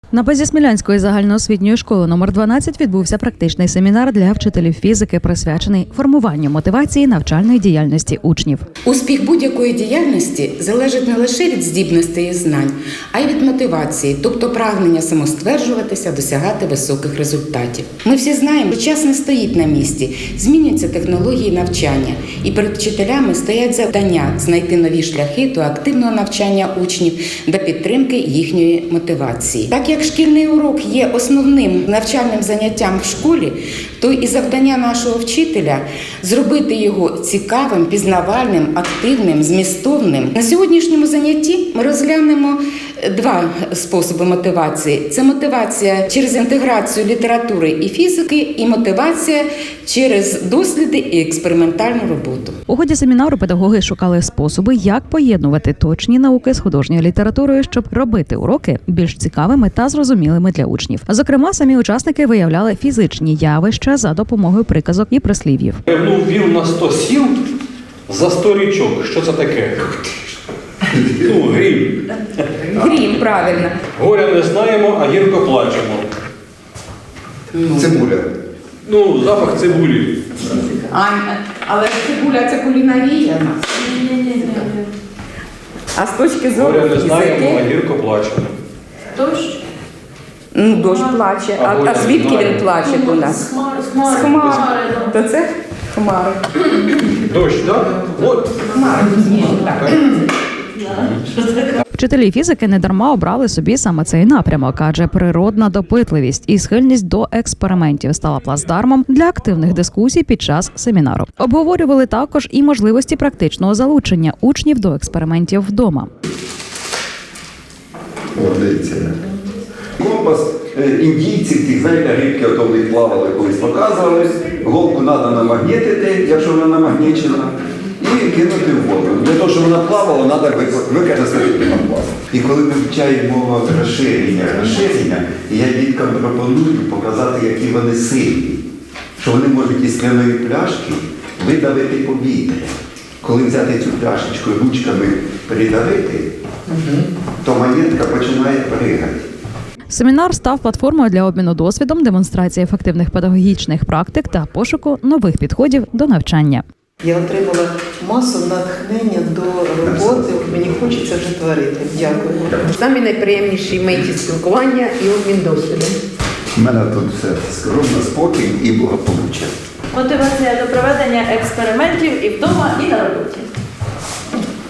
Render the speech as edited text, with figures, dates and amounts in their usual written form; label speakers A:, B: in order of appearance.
A: На базі Смілянської загальноосвітньої школи номер 12 відбувся практичний семінар для вчителів фізики, присвячений формуванню мотивації навчальної діяльності учнів.
B: Успіх будь-якої діяльності залежить не лише від здібностей і знань, а й від мотивації, тобто прагнення самостверджуватися, досягати високих результатів. Ми всі знаємо, що час не стоїть на місці, змінюються технології навчання, і перед вчителями стоять завдання знайти нові шляхи до активного навчання учнів та підтримки їхньої мотивації. Так як шкільний урок є основним навчальним заняттям в школі, то і завдання нашого вчителя – зробити його цікавим, пізнавальним, активним, змістовним. На сьогоднішньому занятті ми розглянемо два способи мотивації. Це мотивація через інтеграцію літератури і фізики, і мотивація через досліди і експериментальну роботу.
A: У ході семінару педагоги шукали способи, як поєднувати точні науки з художньою літературою, щоб робити уроки більш цікавими та зрозумілими для учнів. Зокрема, самі учасники виявляли фізичні явища за допомогою приказок і прислів'їв.
C: Вів на 100 сіл за 100 річок. Що це таке? Грім.
B: Грім, правильно.
C: Горя не знаємо, а гірко плачемо.
D: Цибуля.
C: Запах цибулі.
B: Але цибуля – це кулінарія в нас. А з точки зору
C: Горя не знаємо, а
B: фізики...
C: гірко плачемо.
E: Дощ?
B: Дощ плаче. А звідки він плаче у нас? З хмар. То це хмари.
C: Дощ, так? От.
B: Хмари. Так.
A: Вчителі фізики недарма обрали собі саме цей напрямок, адже природна допитливість і схильність до експериментів стала плацдармом для активних дискусій під час семінару. Обговорювали також і можливості практичного залучення учнів до експериментів вдома.
D: Дивіться. Компас індійців, тих, знаєте, рибки, ото в них плавали, колись показували. Голку треба намагнітити, якщо вона намагнічена, і кинути в воду. Для того, щоб вона плавала, треба використати пінопласт. І коли ми вчаємо розширення, я діткам пропоную показати, які вони сильні. Що вони можуть із скляної пляшки видавити повітря. Коли взяти цю пляшечку ручками придавити, то монетка починає пригати.
A: Семінар став платформою для обміну досвідом, демонстрації ефективних педагогічних практик та пошуку нових підходів до навчання.
F: Я отримала масу натхнення до роботи, мені хочеться вже творити. Дякую.
E: Самі найприємніші миті спілкування і обмін досвідом.
D: У мене тут все скромно, спокій і благополуччя.
G: Мотивація до проведення експериментів і вдома, і на роботі.